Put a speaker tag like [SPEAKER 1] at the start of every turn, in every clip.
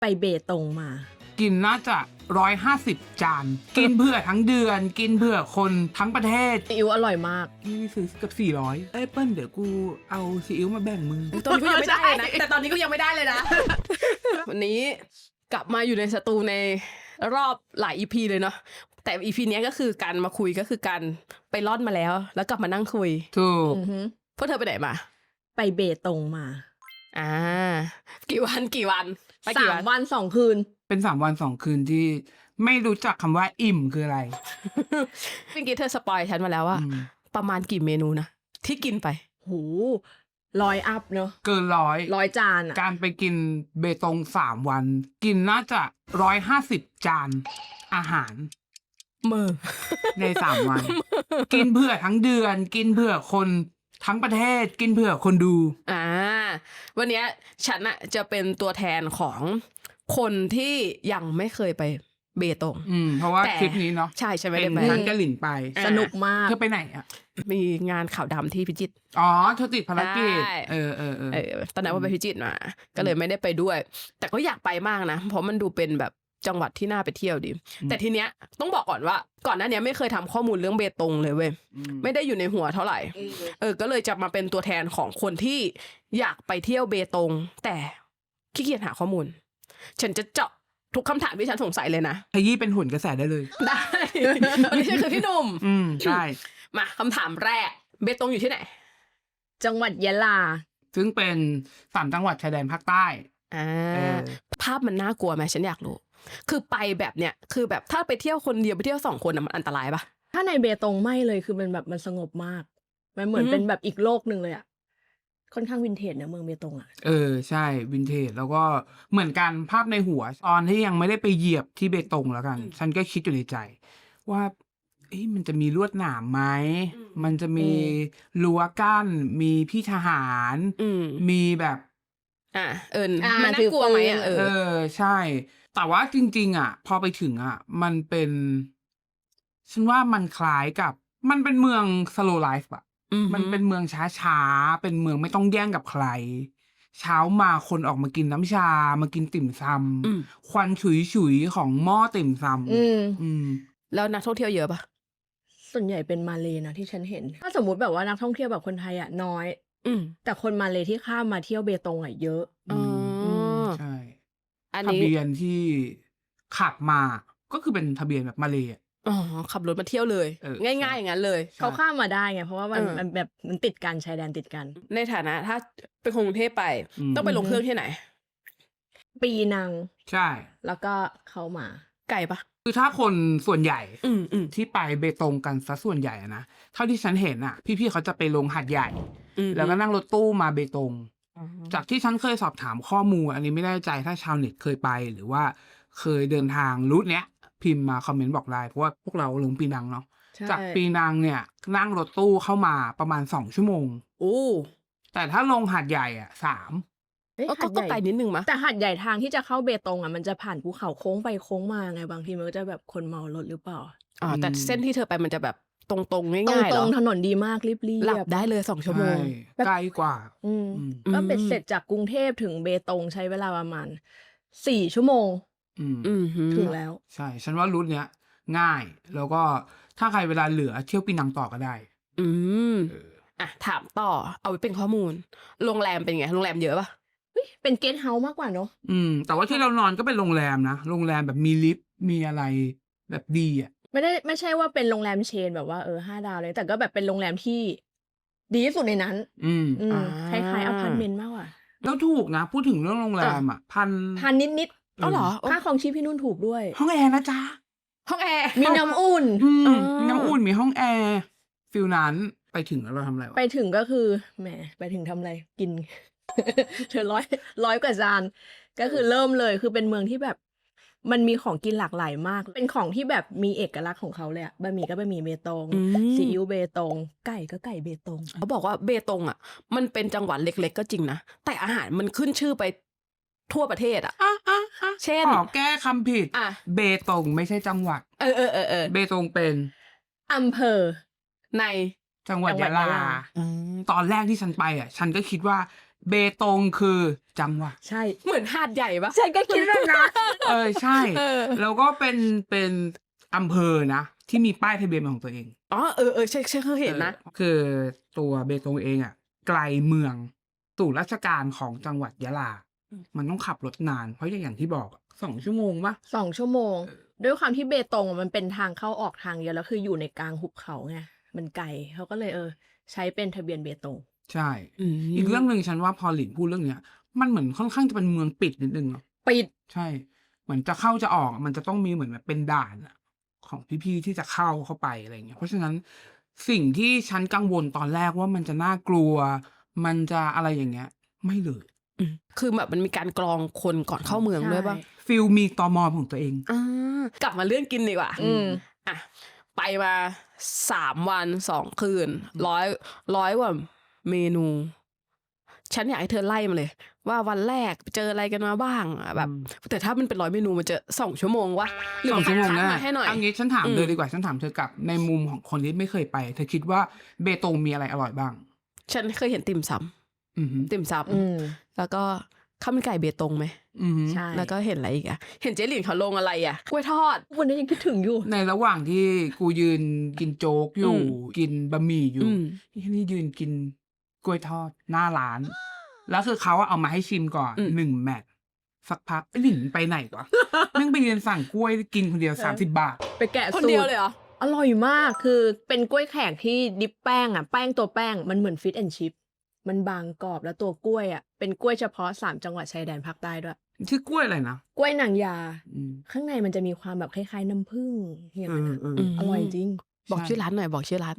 [SPEAKER 1] ไปเบตงมา
[SPEAKER 2] กินน่าจะ150 จาน กินเผื่อทั้งเดือน กินเผื่อคนทั้งประเทศ
[SPEAKER 1] ซีอิ๊วอร่อยมาก
[SPEAKER 2] นี่ซื้อเกับ400เอ้ยเปิ้ลเดี๋ยวกูเอาซีอิ๊วมาแบ่งมึง
[SPEAKER 3] ตอนนี้ก็ยังไม่ได้เลยนะ แต่ตอนนี้ก็ยังไม่ได้เลยนะ วันนี้กลับมาอยู่ในสตูในรอบหลาย EP เลยเนาะแต่ EP เนี้ยก็คือการมาคุยก็คือการไปร่อนมาแล้ว แล้วกลับมานั่งคุย
[SPEAKER 2] ถูก
[SPEAKER 1] อือหือ
[SPEAKER 3] พวกเธอไปไหนมา
[SPEAKER 1] ไปเบตงมา
[SPEAKER 3] อ่า กี่วันไปกี่
[SPEAKER 1] 3 วัน 2 คืน
[SPEAKER 2] เป็น3 วัน 2 คืนที่ไม่รู้จักคำว่าอิ่มคืออะไร
[SPEAKER 3] เมื่อกี้เธอสปอยฉันมาแล้วว่า
[SPEAKER 2] อืม
[SPEAKER 3] ประมาณกี่เมนูนะที่กินไป
[SPEAKER 1] หู100 อัพเนอะ
[SPEAKER 2] เกิน
[SPEAKER 1] 100 จานอะ
[SPEAKER 2] การไปกินเบตง3 วัน กินน่าจะ150 จานอาหาร
[SPEAKER 3] มือ
[SPEAKER 2] ใน3 วัน กินเผื่อทั้งเดือน กินเผื่อคนทั้งประเทศ กินเผื่อคนดู
[SPEAKER 3] วันเนี้ยฉันอะจะเป็นตัวแทนของคนที่ยังไม่เคยไปเบตง
[SPEAKER 2] เพราะว่า
[SPEAKER 3] แต่
[SPEAKER 2] คลิปนี้เนาะ
[SPEAKER 3] ใช่ไม่
[SPEAKER 2] เป็
[SPEAKER 3] ได้
[SPEAKER 2] น
[SPEAKER 3] ไป
[SPEAKER 2] ฉันกับหลินไป
[SPEAKER 3] อ่า
[SPEAKER 1] สนุกมาก
[SPEAKER 2] เธอไปไหนอ่ะ
[SPEAKER 3] มีงานข่าวดำที่พิจิตร
[SPEAKER 2] อ๋อเธอติดภารกิจ
[SPEAKER 3] ใช่ ตอนนั้นว่าไปพิจิตรมา ก็เลยไม่ได้ไปด้วย แต่ก็อยากไปมากนะ เพราะมันดูเป็นแบบจังหวัดที่น่าไปเที่ยวดี แต่ทีเนี้ยต้องบอกก่อนว่าก่อนหน้านี้ไม่เคยทำข้อมูลเรื่องเบตงเลยเว้ย ไม่ได้อยู่ในหัวเท่าไหร่ ก็เลยจะมาเป็นตัวแทนของคนที่อยากไปเที่ยวเบตง แต่ขี้เกียจหาข้อมูล ฉันจะเจาะทุกคำถามที่ฉันสงสัยเลยนะ
[SPEAKER 2] ขยี้เป็นหุ่นกระแสได้เลย
[SPEAKER 3] ได้ ไม่ใช่คือพี่หนุ่ม
[SPEAKER 2] ใช่
[SPEAKER 3] มาคำถามแรก เบตงอยู่ที่ไหน
[SPEAKER 1] จังหวัดยะลา
[SPEAKER 2] ซึ่งเป็น3 จังหวัดชายแดนภาคใต้ เออ
[SPEAKER 3] ภาพมันน่ากลัวไหมฉันอยากรู้ คือไปแบบเนี้ยคือแบบถ้าไปเที่ยวคนเดียวไปเที่ยว2 คนมันอันตรายปะ
[SPEAKER 1] ถ้าในเบตงไม่เลยคือมันแบบมันสงบมาก มันเหมือนเป็นแบบอีกโลกหนึ่งเลยอะค่อนข้างวินเทจนะเมืองเบตงอะ
[SPEAKER 2] ใช่วินเทจแล้วก็เหมือนกันภาพในหัวตอนที่ยังไม่ได้ไปเหยียบที่เบตงแล้วกัน ฉันก็คิดอยู่ในใจ ว่ามันจะมีลวดหนามไหมมันจะมีรั้วกั้น มีพี่ทหาร มีแบบ
[SPEAKER 3] มันน่ากลัวไหมอ่ะ
[SPEAKER 2] ใช่ แต่ว่าจริงๆอ่ะ พอไปถึงอ่ะ มันเป็น ฉันว่ามันคล้ายกับมันเป็นเมือง slow life อ่ะ มันเป็นเมืองช้าๆ เป็นเมืองไม่ต้องแย่งกับใคร เช้ามาคนออกมากินน้ำชา มากินติ่มซำควันฉุยๆของหม้อติ่มซำ
[SPEAKER 3] แล้วนักท่องเที่ยวเยอะปะ
[SPEAKER 1] ส่วนใหญ่เป็นมาเลย์นะที่ฉันเห็น ถ้าสมมุติแบบว่านักท่องเที่ยวแบบคนไทยอะน้อย แต่คนมาเลย์ที่ข้ามมาเที่ยวเบตงอะเยอะ
[SPEAKER 2] ใช่
[SPEAKER 3] อัน
[SPEAKER 2] ทะ
[SPEAKER 3] นี้
[SPEAKER 2] เบียนที่ขับมาก็คือเป็นทะเบียนแบบมาเลยอ่ะ
[SPEAKER 3] ขับรถมาเที่ยวเลย ง่ายๆอย่างนั้นเลย
[SPEAKER 1] เขาข้ามมาได้ไงเพราะว่ามัน
[SPEAKER 3] เออ
[SPEAKER 1] มันแบบมันติดกันชายแดนติดกัน
[SPEAKER 3] ในฐานะถ้าไปกรุงเทพไป ต้องไปลงเครื่องที่ไหน
[SPEAKER 1] ปีนัง
[SPEAKER 2] ใช่
[SPEAKER 1] แล้วก็เข้ามา
[SPEAKER 3] ไกลปะ
[SPEAKER 2] คือถ้าคนส่วนใหญ่
[SPEAKER 3] อืม
[SPEAKER 2] ที่ไปเบตงกันซะส่วนใหญ่อะนะเท่าที่ฉันเห็นอ่ะ พี่ๆเขาจะไปลงหาดใหญ่ แล้วก็นั่งรถตู้มาเบตง จากที่ฉันเคยสอบถามข้อมูล อันนี้ไม่แน่ใจถ้าชาวเน็ตเคยไปหรือว่าเคยเดินทางรูทเนี้ย พิมพ์มาคอมเมนต์บอกได้เพราะว่าพวกเราลงปีนังเนาะ
[SPEAKER 1] ใช่
[SPEAKER 2] จากปีนังเนี่ย นั่งรถตู้เข้ามาประมาณ2 ชั่วโมง
[SPEAKER 3] โอ้
[SPEAKER 2] แต่ถ้าลงหาดใหญ่อ่ะ3
[SPEAKER 1] เอ้ย
[SPEAKER 3] ก็
[SPEAKER 1] หาดใหญ่
[SPEAKER 3] ไกลนิดนึงมะ
[SPEAKER 1] แต่หาดใหญ่ทางที่จะเข้าเบตงอ่ะมันจะผ่านภูเขาโค้งไปโค้งมาไงบางทีมันก็จะแบบคนเมารถหรือเปล่า
[SPEAKER 3] แต่เส้นที่เธอไปมันจะแบบตรงๆ
[SPEAKER 1] ต
[SPEAKER 3] ง่ายๆเห
[SPEAKER 1] ร
[SPEAKER 3] รอ
[SPEAKER 1] งๆถนนดีมากรีบ
[SPEAKER 3] หลับได้เลย2 ชั่วโมง
[SPEAKER 2] ใช่ใกล้กว่า
[SPEAKER 1] อืม
[SPEAKER 2] อืม
[SPEAKER 1] ก็เป็นเสร็จจากกรุงเทพถึงเบตงใช้เวลาประมาณ4 ชั่วโมง ถึงแล้ว
[SPEAKER 2] ใช่ ฉันว่ารูทเนี้ยง่าย แล้วก็ถ้าใครเวลาเหลือเที่ยวปีนังต่อก็ได้
[SPEAKER 3] ถามต่อเอาไว้เป็นข้อมูล โรงแรมเป็นไง โรงแรมเยอะปะ
[SPEAKER 1] เป็นเกสต์เฮาส์มากกว่าเนอะ
[SPEAKER 2] แต่ว่าที่เรานอนก็เป็นโรงแรมนะ โรงแรมแบบมีลิฟต์มีอะไรแบบดีอ่ะ
[SPEAKER 1] ไม่ใช่ว่าเป็นโรงแรมเชนแบบว่า5 ดาวเลยแต่ก็แบบเป็นโรงแรมที่ดีที่สุดในนั้น คล้ายๆอพาร์ตเมนต์มากกว่า
[SPEAKER 2] แล้วถูกนะ พูดถึงเรื่องโรงแรมอ่ะ
[SPEAKER 1] พันนิด
[SPEAKER 3] อ๋อเหรอ
[SPEAKER 1] ค่าของชีพพี่นุ่นถูกด้วย
[SPEAKER 2] ห้องแอร์นะจ๊ะ
[SPEAKER 3] ห้องแอร์
[SPEAKER 1] มีน้ำอุ่น
[SPEAKER 2] มีน้ำอุ่นมีห้องแอร์ฟิลนั้นไปถึงแล้วเราทำอะไรวะ
[SPEAKER 1] ไปถึงก็คือแหมไปถึงทำอะไรกิน เธอร้อยกว่าจานก็คือเริ่มเลยคือเป็นเมืองที่แบบ มันมีของกินหลากหลายมาก เป็นของที่แบบมีเอกลักษณ์ของเขาเลยอะบะหมี่ก็บะหมี่เบตงซีอิ๊วเบตงไก่ก็ไก่เบตง
[SPEAKER 3] เขาบอกว่าเบตงอ่ะ มันเป็นจังหวัดเล็กๆก็จริงนะ แต่อาหารมันขึ้นชื่อไปทั่วประเทศอ่ะ เช่น
[SPEAKER 2] ขอแก้คำผิด เบตงไม่ใช่จังหวัด เบตงเป็น
[SPEAKER 1] อำเภอ
[SPEAKER 3] ใน
[SPEAKER 2] จังหวัด
[SPEAKER 1] จังหวั
[SPEAKER 2] ยะ
[SPEAKER 1] ด
[SPEAKER 2] ลา
[SPEAKER 1] ยะลา
[SPEAKER 2] ตอนแรกที่ฉันไปอ่ะ ฉันก็คิดว่าเบตงคือจังหวัด
[SPEAKER 1] ใช่
[SPEAKER 3] เหมือนหาดใหญ่ปะ
[SPEAKER 1] ฉันก็คิดแบบนั้น
[SPEAKER 2] ใช่
[SPEAKER 3] เออ
[SPEAKER 2] แล้วก็เป็นอำเภอนะที่มีป้ายทะเบียนเป็นของตัวเอง
[SPEAKER 3] อ๋อใช่เคยเห็นนะ
[SPEAKER 2] คือตัวเบตงเองอ่ะไกลเมืองสู่ราชการของจังหวัดยะลา มันต้องขับรถนาน เพราะอย่างที่บอก2 ชั่วโมงปะ
[SPEAKER 1] 2 ชั่วโมง ด้วยความที่เบตงมันเป็นทางเข้าออกทางเดียวแล้วคืออยู่ในกลางหุบเขาไงมันไกลเขาก็เลยใช้เป็นทะเบียนเบตง
[SPEAKER 2] ใช่
[SPEAKER 3] อืม
[SPEAKER 2] อีกเรื่องหนึ่งฉันว่าพอหลินพูดเรื่องเนี้ย มันเหมือนค่อนข้างจะเป็นเมืองปิดนิดนึงเนาะ
[SPEAKER 1] ปิด
[SPEAKER 2] ใช่ เหมือนจะเข้าจะออกมันจะต้องมีเหมือนแบบเป็นด่านอะของพี่ๆที่จะเข้าไปอะไรเงี้ย เพราะฉะนั้นสิ่งที่ฉันกังวลตอนแรกว่ามันจะน่ากลัว มันจะอะไรอย่างเงี้ย ไม่เลย
[SPEAKER 3] คือแบบมันมีการกรองคนก่อนเข้าเมืองด้วยปะ
[SPEAKER 2] ฟิลมีตมของตัวเอง
[SPEAKER 3] กลับมาเรื่องกินดีกว่า
[SPEAKER 1] อืม
[SPEAKER 3] อ่ะไปมา3 วัน 2 คืนร้อยกว่าเมนู ฉันอยากให้เธอไล่มาเลย ว่าวันแรกเจออะไรกันมาบ้างอ่ะแบบ แต่ถ้ามันเป็น100 เมนูมันจะ2 ชั่วโมงวะหรือ
[SPEAKER 2] 2 ชั่วโมง
[SPEAKER 3] คัด
[SPEAKER 2] นะ
[SPEAKER 3] มาให้หน่อย
[SPEAKER 2] เอางี้ฉันถามเลยดีกว่า ฉันถามเธอกลับในมุมของคนที่ไม่เคยไป เธอคิดว่าเบตงมีอะไรอร่อยบ้าง
[SPEAKER 3] ฉันเคยเห็นติ่มซ
[SPEAKER 2] อือหือ
[SPEAKER 3] ำติ่มซ
[SPEAKER 1] อืม
[SPEAKER 3] ำแล้วก็ข้าวมันไก่เบตงไหม
[SPEAKER 2] อือหือ
[SPEAKER 1] ใช่
[SPEAKER 3] แล้วก็เห็นอะไรอีกอะเห็นเจ๊หลินเขาลงอะไรอะกล้วยทอด
[SPEAKER 1] วันนี้ยังคิดถึงอยู่
[SPEAKER 2] ในระหว่างที่กูยืนกินโจ๊กอยู่ กินบะหมี่อยู่ ที่นี่ยืนกินกล้วยทอดหน้าร้าน แล้วคือเขาเอามาให้ชิมก่อน1 แมตช์สักพักไอ้หลินไปไหนวะ นึ่งไปยืนสั่งกล้วยกินคนเดียว30 บาท
[SPEAKER 1] ไปแกะ
[SPEAKER 3] คน
[SPEAKER 1] สู
[SPEAKER 3] เดียว
[SPEAKER 1] ตร
[SPEAKER 3] เลยเหรอ
[SPEAKER 1] อร่อยมากคือเป็นกล้วยแขกที่ดิปแป้งอ่ะแป้งตัวแป้งมันเหมือนฟิตแอนชิพมันบางกรอบแล้วตัวกล้วยอ่ะเป็นกล้วยเฉพาะ3 จังหวัดชายแดนภาคใต้ด้วย
[SPEAKER 2] ชื่อกล้วยอะไรนะ
[SPEAKER 1] กล้วยนางยา
[SPEAKER 2] อืม
[SPEAKER 1] ข้างในมันจะมีความแบบคล้ายๆน้ำผึ้งอย่างนั้นอะ
[SPEAKER 3] อืม
[SPEAKER 1] อร่อยจริง
[SPEAKER 3] บอก
[SPEAKER 2] ใช่
[SPEAKER 3] ชื่อร้านหน่อยบอกชื่อร้าน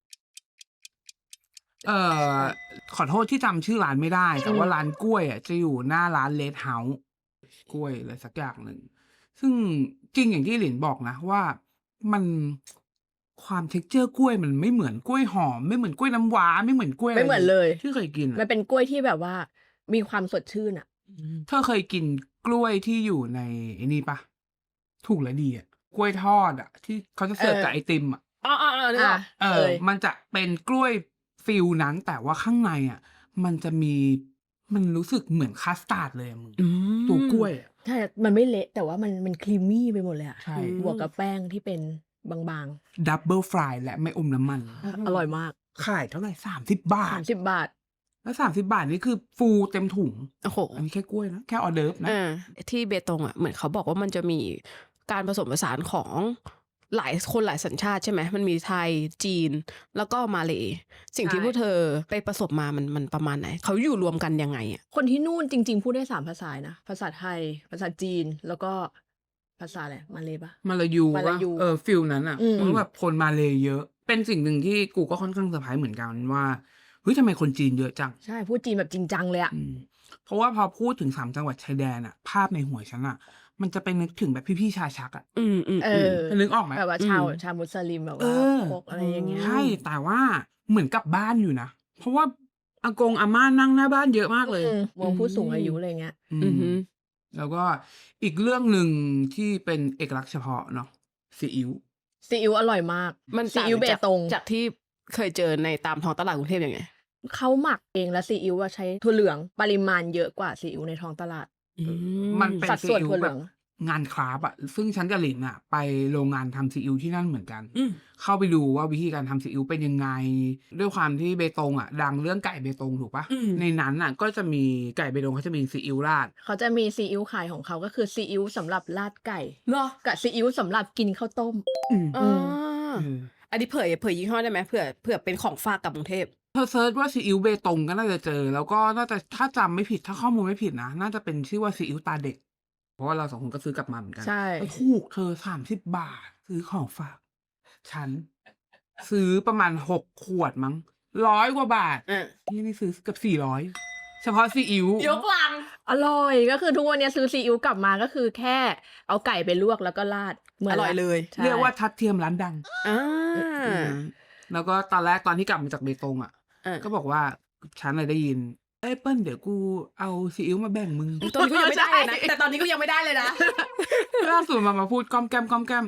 [SPEAKER 2] ขอโทษที่จำชื่อร้านไม่ได้ แต่ว่าร้านกล้วยอ่ะจะอยู่หน้าร้านเลดเฮาส์กล้วยอะไรสักอย่างหนึ่ง ซึ่งจริงอย่างที่หลินบอกนะว่ามันความเท็กเจอร์กล้วยมันไม่เหมือนกล้วยหอม ไม่เหมือนกล้วยน้ำว้าไม่เหมือนกล้วยะร
[SPEAKER 1] ไม่เหมือนเลย
[SPEAKER 2] ที่เคยกิน
[SPEAKER 1] มัน
[SPEAKER 2] อะ
[SPEAKER 1] เป็นกล้วยที่แบบว่ามีความสดชื่นอ่ะ
[SPEAKER 2] เธอเคยกินกล้วยที่อยู่ในไอ้นี่ปะถูกและดีอ่ะกล้วยทอดอ่ะ ที่เขาจะเสิร์ฟ
[SPEAKER 1] เออ
[SPEAKER 2] กับไอติมอ่ะ
[SPEAKER 3] อ๋อนึกออก
[SPEAKER 1] เคย
[SPEAKER 2] มันจะเป็นกล้วยฟิลนั้น แต่ว่าข้างในอ่ะ มันจะมีมันรู้สึกเหมือนคัสตาร์ดเลยอะมึงตัวกล้วยอะ
[SPEAKER 1] ใช่ มันไม่เละแต่ว่ามันครีมมี่ไปหมดเลยอ่ะ
[SPEAKER 2] ใช่
[SPEAKER 1] บวกกับแป้งที่เป็นบาง
[SPEAKER 2] ดับเบิลฟรายและไม่อมน้ำมัน
[SPEAKER 1] ๆ อร่อยมาก
[SPEAKER 2] ขายเท่าไหร่30 บาท
[SPEAKER 1] 30 บาท
[SPEAKER 2] แล้ว30 บาทนี่คือฟูเต็มถุง
[SPEAKER 3] โอ้โห
[SPEAKER 2] อันนี้แค่กล้วยนะ แค่ออเดิร์ฟนะ
[SPEAKER 3] ที่เบตงอ่ะเหมือนเขาบอกว่ามันจะมีการผสมผสานของหลายคนหลายสัญชาติใช่ไหมมันมีไทยจีนแล้วก็มาเลย์สิ่งที่
[SPEAKER 1] ใช่
[SPEAKER 3] พวกเธอไปประสบมามันประมาณไหน เขาอยู่รวมกันยังไงอ่ะ
[SPEAKER 1] คนที่นู่นจริง ๆ พูดได้3 ภาษานะ ภาษาไทย ภาษาจีน แล้วก็ภาษาอะไรมาเลยปะ
[SPEAKER 2] มาลายู
[SPEAKER 1] มาลายู
[SPEAKER 2] ว่าฟิลนั้นอ่ะ
[SPEAKER 1] อืม
[SPEAKER 2] มันแบบคนมาเลยเยอะ เป็นสิ่งหนึ่งที่กูก็ค่อนข้างเซอร์ไพรส์เหมือนกันว่าเฮ้ยทำไมคนจีนเยอะจัง
[SPEAKER 1] ใช่ พูดจีนแบบจริงจังเลยอ่ะ
[SPEAKER 2] เพราะว่าพอพูดถึง3 จังหวัดชายแดนอ่ะ ภาพในหัวฉันอ่ะ มันจะไปนึกถึงแบบพี่ๆชาชักอ่ะ
[SPEAKER 1] เออ
[SPEAKER 2] เธอนึกออกไหม
[SPEAKER 1] แบบว่าชาวมุสลิมแบบ
[SPEAKER 2] เอ
[SPEAKER 1] ว่า
[SPEAKER 2] อ
[SPEAKER 1] พวกอะไรอย่างเงี้ย
[SPEAKER 2] ใช่แต่ว่าเหมือนกลับบ้านอยู่นะ เพราะว่าอากงอาม่านั่งหน้าบ้านเยอะมากเลย
[SPEAKER 1] วงผู้สูงอายุอะไรเงี้ย
[SPEAKER 2] อืมแล้วก็อีกเรื่องหนึ่งที่เป็นเอกลักษณ์เฉพาะเนาะซีอิ๊ว
[SPEAKER 1] ซีอิ๊วอร่อยมาก
[SPEAKER 3] มัน
[SPEAKER 1] ซีอิ๊วเบตง
[SPEAKER 3] จากที่เคยเจอในตามท้องตลาดกรุงเทพยังไง
[SPEAKER 1] เขาหมักเองแล้วซีอิ๊วว่าใช้ถั่วเหลืองปริมาณเยอะกว่าซีอิ๊วในท้องตลาด
[SPEAKER 2] มันเป็น
[SPEAKER 1] สัด
[SPEAKER 2] ซี
[SPEAKER 1] ส่วน
[SPEAKER 2] อิ๊ว
[SPEAKER 1] ถั่วเห
[SPEAKER 2] แบ
[SPEAKER 1] ลื
[SPEAKER 2] บ
[SPEAKER 1] อง
[SPEAKER 2] งานคราฟต์อะซึ่งฉันกับหลินอะไปโรงงานทำซีอิ๊วที่นั่นเหมือนกัน
[SPEAKER 3] อืม
[SPEAKER 2] เข้าไปดูว่าวิธีการทำซีอิ๊วเป็นยังไง ด้วยความที่เบตงอะดังเรื่องไก่เบตงถูกปะ
[SPEAKER 3] อืม
[SPEAKER 2] ในนั้นอะก็จะมีไก่เบตงเขาจะมีซีอิ๊วราด
[SPEAKER 1] เขาจะมีซีอิ๊วขายของเขาก็คือซีอิ๊วสำหรับราดไก่
[SPEAKER 3] เหรอ
[SPEAKER 1] กับซีอิ๊วสำหรับกินข้าวต้ม
[SPEAKER 3] อ่า
[SPEAKER 2] เออ
[SPEAKER 3] อันนี้เผยยี่ห้อได้ไหมเผื่อเป็นของฝากกลับกรุงเทพ
[SPEAKER 2] เธอเซิร์ชว่าซีอิ๊วเบตงก็น่าจะเจอ แล้วก็น่าจะถ้าจำไม่ผิดถ้าข้อมูลไม่ผิดนะน่าจะเป็นชื่อว่าซีอิ๊วตาเด็ก เพราะว่าเรา2 คนก็ซื้อกลับมาเหมือนกัน
[SPEAKER 1] ใช่
[SPEAKER 2] แล้วถูกเธอ30 บาท ซื้อของฝากฉันซื้อประมาณ6 ขวดมั้ง100 กว่าบาท ที่นี่ซื้อเกือบ400 เฉพาะซีอิ๊วย
[SPEAKER 3] กลัง
[SPEAKER 1] อร่อยก็คือทุกวันนี้ซื้อซีอิ๊วกลับมาก็คือแค่เอาไก่ไปลวกแล้วก็ราดเหมือน
[SPEAKER 3] อร่อยเลย
[SPEAKER 1] ใช่
[SPEAKER 2] เรียกว่าทัดเทียมร้านดัง
[SPEAKER 3] อ่า
[SPEAKER 2] แล้วก็ตอนแรกตอนที่กลับมาจากเบตงอ่ะ ก็บอกว่าฉันเลยได้ยินเอ้ยเปิ้ลเดี๋ยวกูเอาซีอิ๊วมาแบ่งมึง
[SPEAKER 3] ตอนนี้ก็ยังไม่ได้เลยนะแต่ตอนนี้ก็ยังไม่ได้เลยนะ
[SPEAKER 2] ล่าสุดมาพูดก้อมแก้ม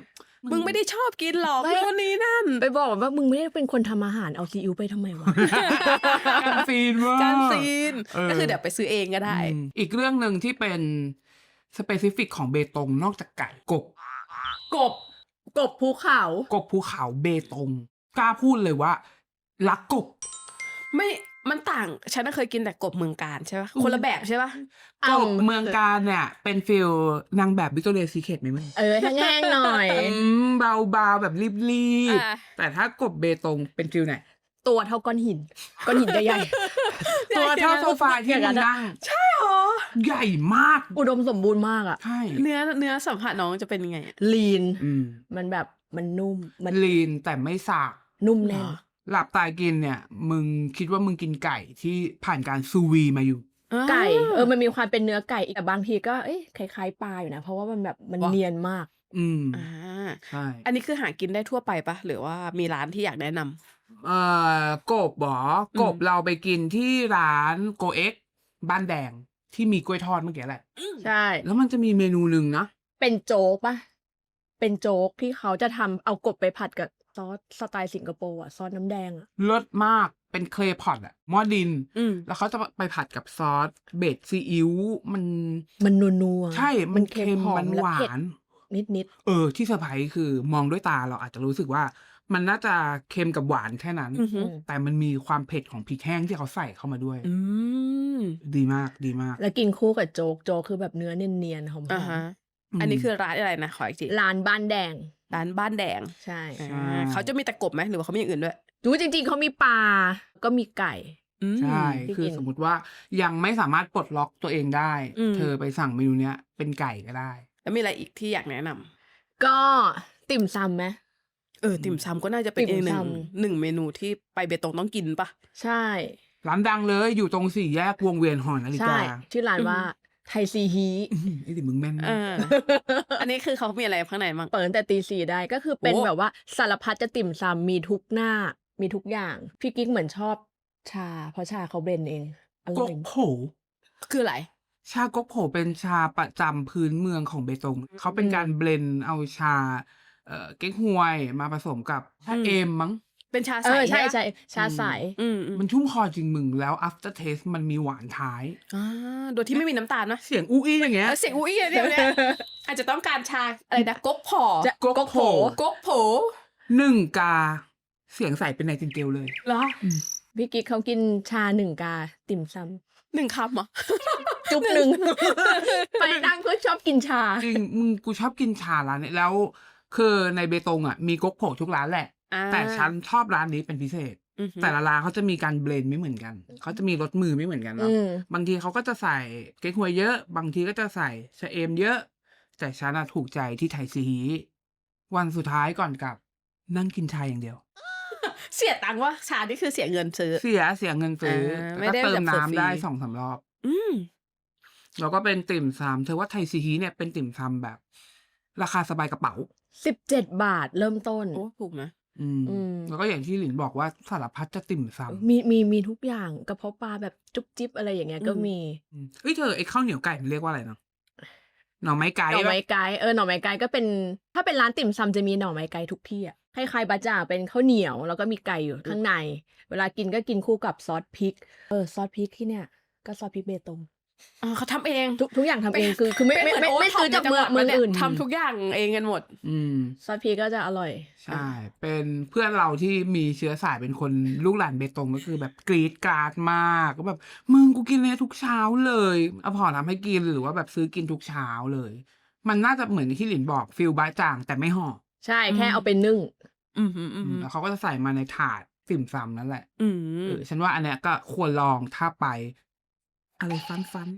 [SPEAKER 3] มึงไม่ได้ชอบกินหรอก
[SPEAKER 1] ไม่
[SPEAKER 3] นู่นนี่นั่น
[SPEAKER 1] ไปบอกว่ามึงไม่ได้เป็นคนทำอาหารเอาซีอิ๊วไปทำไมวะ
[SPEAKER 2] การซีนว่า
[SPEAKER 3] การซีน
[SPEAKER 2] เออ
[SPEAKER 3] ก็คือเดี๋ยวไปซื้อเองก็ได้
[SPEAKER 2] อีกเรื่องหนึ่งที่เป็นสเปซิฟิกของเบตงนอกจากไก่กบ
[SPEAKER 1] กบภูเขา
[SPEAKER 2] กบภูเขาเบตงกล้าพูดเลยว่ารักกบ
[SPEAKER 3] ไม่มันต่างฉันน่ะเคยกินแต่กบเมืองการใช่ปะคนละแบบใช่ปะ
[SPEAKER 2] กบเมืองการเนี่ยเป็นฟิลนางแบบวิกตอเรียซีเคร็ตไหมมึง
[SPEAKER 1] แห้งๆหน่อย
[SPEAKER 2] เบาๆแบบรีบ
[SPEAKER 3] อ่ะ
[SPEAKER 2] ๆแต่ถ้ากบเบตงเป็นฟิลไหน
[SPEAKER 1] ตัวเท่าก้อนหินใหญ่
[SPEAKER 2] ตัวเท่าโซฟาที่มึงนั่ง
[SPEAKER 3] ใช่หรอ
[SPEAKER 2] ใหญ่มาก
[SPEAKER 1] ๆ อุดมสมบูรณ์มากอะ
[SPEAKER 2] ใช่
[SPEAKER 3] เนื้อสัมผัสน้องจะเป็นยังไงอะ
[SPEAKER 1] ลีน
[SPEAKER 2] อืม
[SPEAKER 1] มันแบบมันนุ่มมัน
[SPEAKER 2] ลีนแต่ไม่สาก
[SPEAKER 1] นุ่มแน่น
[SPEAKER 2] หลับตากินเนี่ย มึงคิดว่ามึงกินไก่ที่ผ่านการซูวีมาอยู่
[SPEAKER 1] ไก่มันมีความเป็นเนื้อไก่แต่บางทีก็คล้ายๆปลาอยู่นะ เพราะว่ามันแบบมันเนียนมาก
[SPEAKER 2] อืม
[SPEAKER 3] อ่า
[SPEAKER 2] ใช่
[SPEAKER 3] อันนี้คือหากินได้ทั่วไปปะหรือว่ามีร้านที่อยากแนะนำ
[SPEAKER 2] กบหรอกบเราไปกินที่ร้านโกเอ็กบ้านแดงที่มีกล้วยทอดเมื่อกี้แหละ
[SPEAKER 1] ใช่
[SPEAKER 2] แล้วมันจะมีเมนูหนึ่งนะ
[SPEAKER 1] เป็นโจ๊กปะเป็นโจ๊กที่เขาจะทำเอากบไปผัดกับซอสสไตล์สิงคโปร์อะซอสน้ำแดงอะ
[SPEAKER 2] เลิศมากเป็นเคลพอตอะหม้อดิน
[SPEAKER 3] อืม
[SPEAKER 2] แล้วเขาจะไปผัดกับซอสเบสซีอิ๊วมัน
[SPEAKER 1] มันนัวๆ
[SPEAKER 2] ใช่มันเค็ม
[SPEAKER 1] หอ
[SPEAKER 2] มัน
[SPEAKER 1] และ
[SPEAKER 2] หวา
[SPEAKER 1] เผ็ด
[SPEAKER 2] น
[SPEAKER 1] นิด
[SPEAKER 2] ที่เซอร์ไพรส์คือมองด้วยตาเราอาจจะรู้สึกว่า มันน่าจะเค็มกับหวานแค่นั้น
[SPEAKER 3] อือหือ
[SPEAKER 2] แต่มันมีความเผ็ดของพริกแห้งที่เขาใส่เข้ามาด้วย
[SPEAKER 3] อืม
[SPEAKER 2] ดีมากดีมาก
[SPEAKER 1] ๆ แล้วกินคู่กับโจ๊กโจ๊กคือแบบเนื้อเนียนๆหอม
[SPEAKER 3] อ่าฮะ อันนี้คือร้านอะไรนะขออีกที
[SPEAKER 1] ร้านบ้านแดง
[SPEAKER 3] ร้านบ้านแดง
[SPEAKER 1] ใช่
[SPEAKER 3] อ่าเขาจะมีแต่กบไหมหรือว่าเขามีอย่างอื่นด้วย
[SPEAKER 1] ดูจริงๆเขามีปลาก็มีไก่
[SPEAKER 3] อืม
[SPEAKER 2] ใช่
[SPEAKER 1] ที่
[SPEAKER 2] คือ
[SPEAKER 1] กิน
[SPEAKER 2] สมมติว่ายังไม่สามารถปลดล็อกตัวเองได้
[SPEAKER 3] อืม
[SPEAKER 2] เธอไปสั่งเมนูเนี้ยเป็นไก่ก็ได้
[SPEAKER 3] แล้วมีอะไรอีกที่อยากแนะนำ
[SPEAKER 1] ก็ติ่มซำไหม
[SPEAKER 3] ติ่มซำก็น่าจะเป็น
[SPEAKER 1] ติ่
[SPEAKER 3] อี
[SPEAKER 1] ม
[SPEAKER 3] ก
[SPEAKER 1] ซ
[SPEAKER 3] หนึ่งเมนูที่ไปเบตงต้องกินปะ
[SPEAKER 1] ใช่
[SPEAKER 2] ร้านดังเลยอยู่ตรงสี่แยกวงเวียนหอนาฬิ
[SPEAKER 1] ใช่
[SPEAKER 2] กา
[SPEAKER 1] ชื่อร้านว่าไทยซีฮี
[SPEAKER 2] ไอ้ดิมึงแม่น
[SPEAKER 3] เอ
[SPEAKER 2] มาก
[SPEAKER 3] อ อันนี้คือเขามีอะไรข้างในบ้าง
[SPEAKER 1] เปิดตั้งแต่ตี 4ได้ก็คือเป็น
[SPEAKER 3] โอ้
[SPEAKER 1] แบบว่าสารพัดจะติ่มซำมีทุกหน้า มีทุกอย่าง พี่กิ๊กเหมือนชอบชา เพราะชาเขาเบรนด์เองอ
[SPEAKER 2] ก๊
[SPEAKER 1] ร่
[SPEAKER 2] ก
[SPEAKER 1] อย
[SPEAKER 2] โผ
[SPEAKER 3] คืออะไร
[SPEAKER 2] ชาก๊กโผเป็นชาประจำพื้นเมืองของเบตงเขาเป็นการเบลนด์เอาชาเก๊กฮวยมาผสมกับชา
[SPEAKER 3] อืม
[SPEAKER 2] เอมมั้ง
[SPEAKER 3] เป็นชา
[SPEAKER 1] เอ
[SPEAKER 3] ใส
[SPEAKER 1] อใช่
[SPEAKER 3] ปะ
[SPEAKER 1] ใช่ชาใส
[SPEAKER 3] อืม
[SPEAKER 2] มันชุ่มคอจริงมึงแล้ว after taste มันมีหวานท้าย
[SPEAKER 3] โดยที่ไม่มีน้ำตาลนะ
[SPEAKER 2] เสียงอู้อี้อย่างเงี้ย
[SPEAKER 3] เสียงอุ้ยเดี๋ยวเนี่ยอาจจะต้องการชาอะไรนะก๊กผอ
[SPEAKER 1] จะ
[SPEAKER 2] ก๊กโผ
[SPEAKER 3] ก๊กโผ
[SPEAKER 2] หนึ่งกา เสียงใสเป็นไนติงเกลเลย
[SPEAKER 3] เหรอ
[SPEAKER 1] พี่กิ๊กเขากินชา1 กา ติ่มซ
[SPEAKER 3] 1 คำเหรอ
[SPEAKER 1] ำจุ๊บหนึ่ง ไปนั่งก็ชอบกินชา
[SPEAKER 2] จริงมึงกูชอบกินชาร้านนี้แล้ว คือในเบตงอ่ะมีก๊กโผทุกร้านแหละ
[SPEAKER 3] อ่า
[SPEAKER 2] แต่ฉันชอบร้านนี้เป็นพิเศษ
[SPEAKER 3] อือหือ
[SPEAKER 2] แต่ละร้านเขาจะมีการเบลนด์ไม่เหมือนกัน เขาจะมีรสมือไม่เหมือนกันเนาะ
[SPEAKER 1] อืม
[SPEAKER 2] บางทีเขาก็จะใส่เก๊กฮวยเยอะ บางทีก็จะใส่ชะเอมเยอะ แต่ฉันอะถูกใจที่ไทยซีฮีวันสุดท้ายก่อนกลับ นั่งกินชาอย่างเดียว
[SPEAKER 3] เสียตังค์ว่าชานี่คือเสียเงินซื้อ
[SPEAKER 2] เสียเงินซื้อ
[SPEAKER 3] ไม่
[SPEAKER 2] แล้ว
[SPEAKER 3] ได้
[SPEAKER 2] ก็เติ
[SPEAKER 3] แบ
[SPEAKER 2] ม
[SPEAKER 3] บฟรี
[SPEAKER 2] น้ำได้2-3 รอบ
[SPEAKER 3] อืม
[SPEAKER 2] แล้วก็เป็นติ่มซำเธอว่าไทยซีฮีเนี่ยเป็นติ่มซำแบบ ราคาสบายกระเป๋า
[SPEAKER 1] 17 บาทเริ่มต้น
[SPEAKER 3] โอ้ถูกนะ
[SPEAKER 2] อืมแล้วก็อย่างที่หลินบอกว่าสารพัดจะติ่มซำ
[SPEAKER 1] มีทุกอย่างกระเพาะปลาแบบจุ๊บจิ๊บอะไรอย่างเงี้ยก็มี
[SPEAKER 2] เฮ้ยเธอไอ้ข้าวเหนียวไก่มันเรียกว่าอะไรเนาะหน่อไม้ไก่
[SPEAKER 1] หน่อไม้
[SPEAKER 2] ปะ
[SPEAKER 1] ไก่หน่อไม้ไก่ก็เป็นถ้าเป็นร้านติ่มซำจะมีหน่อไม้ไก่ทุกที่อ่ะคล้ายๆบะจ่างเป็นข้าวเหนียวแล้วก็มีไก่อยู่ข้างใน เวลากินก็กินคู่กับซอสพริกซอสพริกที่เนี่ยก็ซอสพริกเบตง
[SPEAKER 3] เขาทำเอง
[SPEAKER 1] ทุกอย่างทำเองคือไม่
[SPEAKER 3] เป็นเห
[SPEAKER 1] ไม่
[SPEAKER 3] มือน
[SPEAKER 1] ซื้อจาก
[SPEAKER 3] โท็ป
[SPEAKER 1] เมือง
[SPEAKER 3] ในจัหวัด
[SPEAKER 1] อื่น
[SPEAKER 3] ทำทุกอย่างเองกันหมด
[SPEAKER 2] อืม
[SPEAKER 1] ซอสพริกก็จะอร่อย
[SPEAKER 2] ใช่ เป็นเพื่อนเราที่มีเชื้อสายเป็นคนลูกหลานเบตงก็คือแบบกรีดกราดมากก็แบบมึงกูกินเลยทุกเช้าเลยเอาพอทำให้กินหรือว่าแบบซื้อกินทุกเช้าเลย มันน่าจะเหมือนที่หลินบอกฟิลบะจ่างแต่ไม่ห่อ
[SPEAKER 1] ใช่แค่เอาไปนึ่ง
[SPEAKER 3] อืมอืมอืม
[SPEAKER 2] แล้วเขาก็จะใส่มาในถาดติ่มซำนั่นแหละ
[SPEAKER 3] อืม
[SPEAKER 2] ฉันว่าอันเนี้ยก็ควรลองถ้าไป อะไรฟัน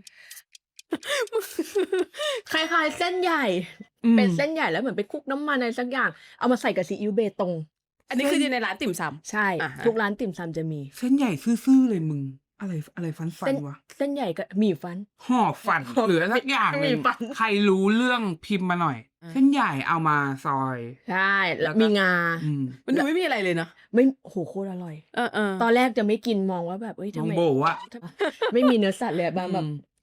[SPEAKER 1] คล้ายๆเส้นใหญ่
[SPEAKER 2] อืม
[SPEAKER 1] เป็นเส้นใหญ่แล้วเหมือนไปคลุกน้ำมันอะไรสักอย่างเอามาใส่กับซีอิ๊วเบตง
[SPEAKER 3] อันนี้คืออยู่ในร้านติ่มซำ
[SPEAKER 1] ใช่
[SPEAKER 3] อ่าฮะ
[SPEAKER 1] ทุกร้านติ่มซำจะมี
[SPEAKER 2] เส้นใหญ่ซื่อๆเลยมึง อะไรฟัน
[SPEAKER 1] เส้น
[SPEAKER 2] วะ
[SPEAKER 1] เส้นใหญ่กับหมี่ฟัน
[SPEAKER 2] ห่อฟันหรือสักอย่างหนึ่
[SPEAKER 1] มี
[SPEAKER 2] ง
[SPEAKER 1] ฟัน
[SPEAKER 2] ใครรู้เรื่องพิมพ์มาหน่อย เส้นใหญ่เอามาซอย
[SPEAKER 1] ใช่แล้ว
[SPEAKER 2] แล้วก็
[SPEAKER 1] มีงา
[SPEAKER 2] อืม
[SPEAKER 3] มันดูไม่มีอะไรเลยนะ
[SPEAKER 1] ไม่โหโคตรอร่อย
[SPEAKER 3] เออ
[SPEAKER 1] ตอนแรกจะไม่กินมองว่าแบบเอ้ย
[SPEAKER 2] น้
[SPEAKER 1] ทำ
[SPEAKER 2] อง
[SPEAKER 1] ไม
[SPEAKER 2] โบอะ
[SPEAKER 1] ไม่มีเนื้อสัตว์เลยบางแบบ
[SPEAKER 2] อืม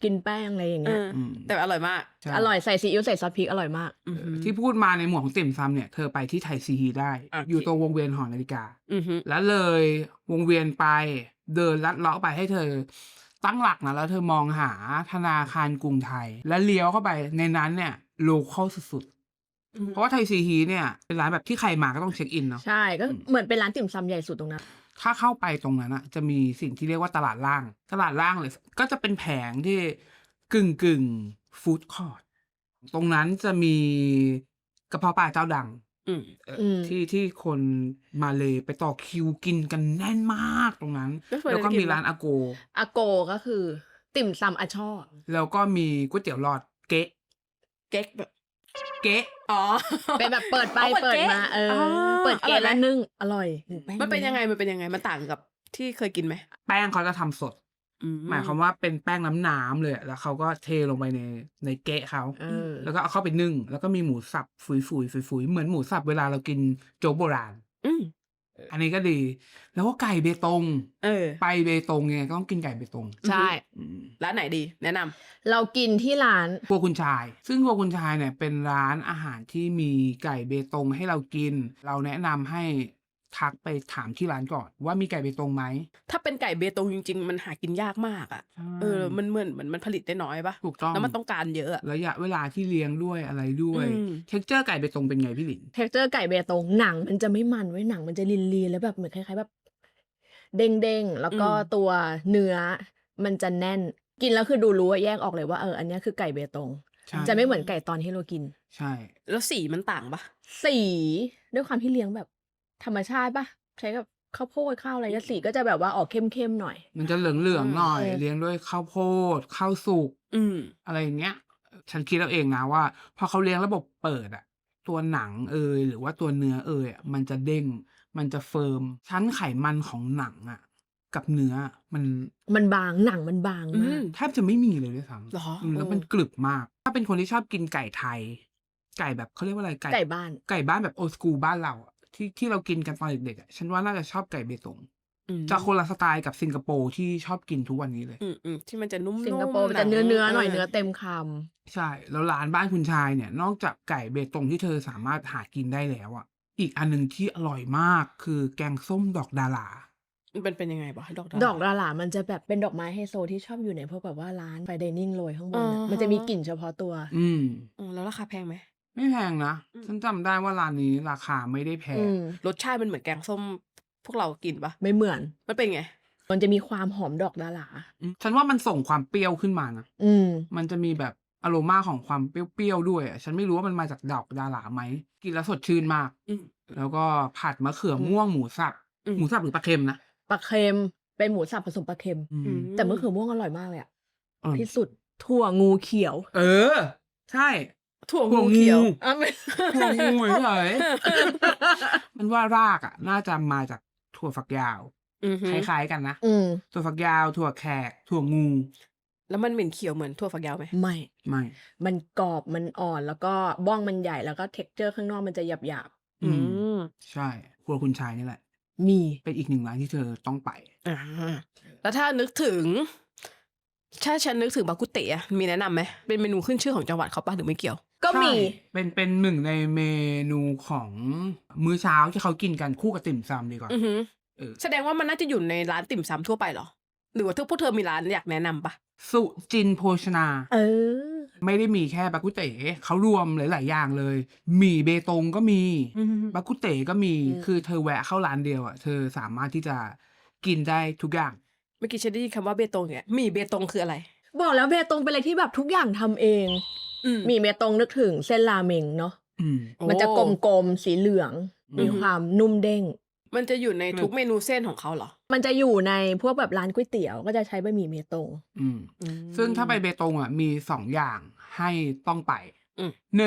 [SPEAKER 1] กินแป้งอะไรอย่างเงี้ย
[SPEAKER 3] แต่อร่อยมาก
[SPEAKER 2] ใช่
[SPEAKER 1] อร่อยใส่ซีอิ๊วใส่ซอสพริกอร่อยมาก
[SPEAKER 2] ที่พูดมาในหมวดของติ่มซำเนี่ยเธอไปที่ไทยซีฮีได้
[SPEAKER 3] โอเค
[SPEAKER 2] อยู่ตรงวงเวียนหอนาฬิกา
[SPEAKER 3] อือฮึ
[SPEAKER 2] แล้วเลยวงเวียนไปเดินลัดเลาะไปให้เธอตั้งหลักนะแล้วเธอมองหาธนาคารกรุงไทย แล้วเลี้ยวเข้าไปในนั้นเนี่ยโลคอลสุดๆเพราะว่าไทยซีฮีเนี่ยเป็นร้านแบบที่ใครมาก็ต้องเช็คอินเนาะ
[SPEAKER 1] ใช่ก็เหมือนเป็นร้านติ่มซำใหญ่สุดตรงนั้น
[SPEAKER 2] ถ้าเข้าไปตรงนั้นอะจะมีสิ่งที่เรียกว่าตลาดล่าง ตลาดล่างเลยก็จะเป็นแผงที่กึ่งฟู้ดคอร์ทตรงนั้นจะมีกระเพาะปลาเจ้าดัง
[SPEAKER 3] อืม
[SPEAKER 2] ที่คนมาเลยไปต่อคิวกินกันแน่นมากตรงนั้น แล้วก็มีร้านอาโก
[SPEAKER 1] อาโกก็คือ ติ่มซำอาช่อ
[SPEAKER 2] แล้วก็มีก๋วยเตี๋ยวหลอดเก๊ะ
[SPEAKER 3] เก๊กแบบ
[SPEAKER 2] เก๊ะ
[SPEAKER 3] อ๋อ
[SPEAKER 1] เป็นแบบเปิดไป
[SPEAKER 3] อ๋อเปิ
[SPEAKER 1] เปิ
[SPEAKER 3] ด
[SPEAKER 1] ด
[SPEAKER 3] เก๊ะ
[SPEAKER 1] มา
[SPEAKER 3] อ๋อ
[SPEAKER 1] เปิดเก
[SPEAKER 3] อร่อยไหม
[SPEAKER 1] แล้วนึ่งอร่อย
[SPEAKER 3] มันเป็นยังไงมันต่างกับที่เคยกินไหม
[SPEAKER 2] แป้งเขาจะทำสด หมายความว่าเป็นแป้งน้ำเลยอะแล้วเขาก็เทลงไปในเก๊ะเขา แล้วก็เอาเข้าไปนึ่ง แล้วก็มีหมูสับฟุยๆเหมือนหมูสับเวลาเรากินโจ๊กโบราณ อันนี้ก็ดี แล้วก็ไก่เบตง ไปเบตงไงก็ต้องกินไก่เบตง
[SPEAKER 1] ใช่
[SPEAKER 3] ร้านไหนดี แนะนำ
[SPEAKER 1] เรากินที่ร้าน
[SPEAKER 2] ครัวคุณชาย ซึ่งครัวคุณชายเนี่ยเป็นร้านอาหารที่มีไก่เบตงให้เรากิน เราแนะนำให้ทักไปถามที่ร้านก่อนว่ามีไก่เบตงไหม
[SPEAKER 3] ถ้าเป็นไก่เบตงจริงๆ มันหากินยากมากอ่ะ มันเหมือนมันผลิตได้น้อยปะ
[SPEAKER 2] ถูกต้อง
[SPEAKER 3] แล้วมันต้องการเยอะอะ
[SPEAKER 2] ระยะเวลาที่เลี้ยงด้วยอะไรด้วย เท็กเจอร์ไก่เบตงเป็นไงพี่หลิน
[SPEAKER 1] เท็กเจอร์ไก่เบตงหนังมันจะไม่มันไว้ยหนังมันจะลีนๆแล้วแบบเหมือนคล้ายๆแบบ เด้งๆแล้วก็ตัวเนื้อมันจะแน่น กินแล้วคือดูรู้ว่าแยกออกเลยว่าอันเนี้ยคือไก่เบตง
[SPEAKER 2] ใช่
[SPEAKER 1] จะไม่เหมือนไก่ตอนที่เรากิน
[SPEAKER 2] ใช่
[SPEAKER 3] แล้วสีมันต่างปะ
[SPEAKER 1] สีด้วยความที่เลี้ยงแบบธรรมชาติปะใช้กับข้าวโพดข้าวอะไรเงี้ยสีก็จะแบบว่าออกเข้มๆหน่อย
[SPEAKER 2] มันจะเหลืองๆหน่อย เลี้ยงด้วยข้าวโพดข้าวสุก อะไรอย่างเงี้ย ฉันคิดเอาเองนะว่าพอเขาเลี้ยงระบบเปิดอะตัวหนังหรือว่าตัวเนื้ออะมันจะเด้ง มันจะเฟิร์ม ชั้นไขมันของหนังอะกับเนื้อ
[SPEAKER 1] มันบางหนังมันบางมาก
[SPEAKER 2] แทบจะไม่มีเลยด้วยซ้
[SPEAKER 3] หรอ
[SPEAKER 2] ำแล้วมันกรึบมาก ถ้าเป็นคนที่ชอบกินไก่ไทย ไก่แบบเขาเรียกว่าอะไร
[SPEAKER 1] ไก่บ้าน
[SPEAKER 2] ไก่บ้านแบบโอสกูบ้านเราอะที่เรากินกันตอนเด็กๆอะฉันว่าน่าจะชอบไก่เบตง จะคนละสไตล์กับสิงคโปร์ที่ชอบกินทุกวันนี้เลย
[SPEAKER 3] ที่มันจะนุ่มๆ
[SPEAKER 1] สิงคโปร์มันจะเนื้อหน่อยเนื้อเต็มค
[SPEAKER 2] ใช่ แล้วร้านบ้านคุณชายเนี่ย นอกจากไก่เบตงที่เธอสามารถหากินได้แล้วอ่ะ อีกอันหนึงที่อร่อยมากคือแกงส้มดอกดารา
[SPEAKER 3] มันเป็นยังไงบ้างดอก
[SPEAKER 1] ำดอกดารามันจะแบบเป็นดอกไม้ไฮโซที่ชอบอยู่ในพวกแบบว่าร้านไฟไดนิ่งโรยข้างบน
[SPEAKER 3] อ่า
[SPEAKER 1] อะ
[SPEAKER 3] ฮะ
[SPEAKER 1] มันจะมีกลิ่นเฉพาะตัว
[SPEAKER 3] แล้วราคาแพงไหม
[SPEAKER 2] ไม่แพงนะ ฉันจำได้ว่าร้านนี้ราคาไม่ได้แพง
[SPEAKER 3] รสชาติมันเหมือนแกงส้มพวกเรากินปะ
[SPEAKER 1] ไม่เหมือน
[SPEAKER 3] มันเป็นไง
[SPEAKER 1] มันจะมีความหอมดอกดารา
[SPEAKER 2] ฉันว่ามันส่งความเปรี้ยวขึ้นมานะ
[SPEAKER 1] อืม
[SPEAKER 2] มันจะมีแบบอโรมาของความเปรี้ยวๆด้วยอะฉันไม่รู้ว่ามันมาจากดอกดาราไหม กินแล้วสดชื่นมาก แล้วก็ผัดมะเขือม่วงหมูสับ หมูสับหรือปลาเค็มนะ
[SPEAKER 1] ปลาเค็มเป็นหมูสับผสมปลาเค็ม แต่มะเขือม่วงอร่อยมากเลยอะ
[SPEAKER 2] อร่อย
[SPEAKER 1] ที่สุดถั่วงูเขียว
[SPEAKER 2] ใช่
[SPEAKER 3] ถั่วงูเขียว
[SPEAKER 1] อ่ะไม่
[SPEAKER 2] ถั่วงูเฉยๆมันว่ารากอ่ะ น่าจะมาจากถั่วฝักยาว คล้ายๆกันนะ ถั่วฝักยาว ถั่วแขก ถั่วงู
[SPEAKER 3] แล้วมันเหม็นเขียวเหมือนถั่วฝักยาวไหม
[SPEAKER 1] ไม่
[SPEAKER 2] ไม่
[SPEAKER 1] มันกรอบมันอ่อนแล้วก็บ้องมันใหญ่แล้วก็เท็กเจอร์ข้างนอกมันจะหยาบ
[SPEAKER 2] ใช่ ครัวคุณชายนี่แหละ
[SPEAKER 1] ๆมี
[SPEAKER 2] เป็นอีกหนึ่งร้านที่เธอต้องไป
[SPEAKER 3] แล้วถ้านึกถึง ถ้าฉันนึกถึงบากุเตะอะมีแนะนำไหมเป็นเมนูขึ้นชื่อของจังหวัดเขาปะหรือไม่เกี่ยว
[SPEAKER 1] ก็มี
[SPEAKER 2] ใช่เป็นหนึ่งในเมนูของมื้อเช้าที่เขากินกันคู่กับติ่มซำดีกว่า
[SPEAKER 3] แสดงว่ามันน่าจะอยู่ในร้านติ่มซำทั่วไปเหรอ หรือว่าพวกเธอมีร้านอยากแนะนำปะ
[SPEAKER 2] สุจินโภชนา
[SPEAKER 1] อ
[SPEAKER 2] ไม่ได้มีแค่บากุเต๋เขารวมหลายๆอย่างเลย หมี่เบตงก็มี บากุเต๋ก็มี คือเธอแวะเข้าร้านเดียวอ่ะ เธอสามารถที่จะกินได้ทุกอย่าง
[SPEAKER 3] เมื่อกี้ฉันได้ยินคำว่าเบตงเนี่ยหมี่เบตงคืออะไร
[SPEAKER 1] บอกแล้วเบตงเป็นอะไรที่แบบทุกอย่างทำเอง มีเบตงนึกถึงเส้นราเมงเนาะ มันจะกลมๆสีเหลือง มีความนุ่มเด้ง
[SPEAKER 3] มันจะอยู่ในทุกเมนูเส้นของเขาเหรอ
[SPEAKER 1] มันจะอยู่ในพวกแบบร้านก๋วยเตี๋ยวก็จะใช้บะหมี่เบตง
[SPEAKER 2] ซึ่งถ้าไปเบตงอ่ะมี2 อย่างให้ต้องไป
[SPEAKER 3] อืม